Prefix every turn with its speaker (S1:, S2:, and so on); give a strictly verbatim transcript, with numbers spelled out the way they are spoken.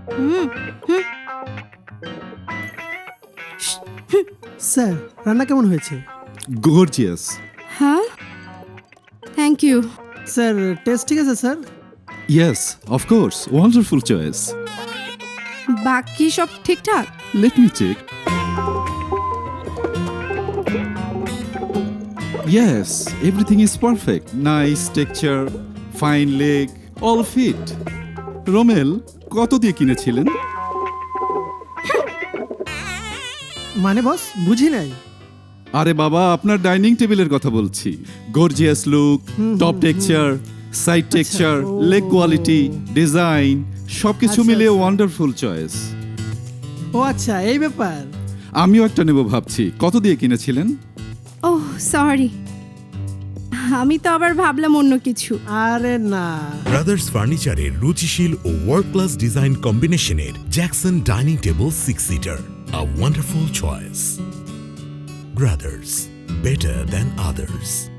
S1: হুম হুম
S2: sir রান্না কেমন হয়েছে?
S3: গর্জিয়াস।
S1: হ্যাঁ থ্যাংক ইউ।
S2: স্যার টেস্ট ঠিক আছে sir?
S3: Yes, of course, wonderful choice.
S1: বাকি সব ঠিকঠাক?
S3: Let me check. Yes, everything is perfect. Nice texture, fine leg, all fit. Romel, কত দিয়ে কিনেছিলেন?
S2: মানে বস বুঝি নাই।
S3: আরে বাবা, আপনার ডাইনিং টেবিলের কথা বলছি। Gorgeous look, top texture, side texture,
S2: ও।
S3: লেগ কোয়ালিটি, ডিজাইন সবকিছু
S2: আচ্ছা,
S3: মিলিয়ে
S2: আচ্ছা।
S3: Wonderful choice.
S2: ও আচ্ছা এই ব্যাপার।
S3: আমিও একটা নেব ভাবছি। কত দিয়ে কিনেছিলেন?
S1: ওহ সরি, আমি তো আবার ভাবলাম অন্য কিছু।
S2: আরে না,
S4: ব্রাদার্স ফার্নিচারের রুচিশীল ও ওয়ার্ল্ড ক্লাস ডিজাইন কম্বিনেশনের Jackson dining table six seater, a wonderful choice. Brothers, better than others.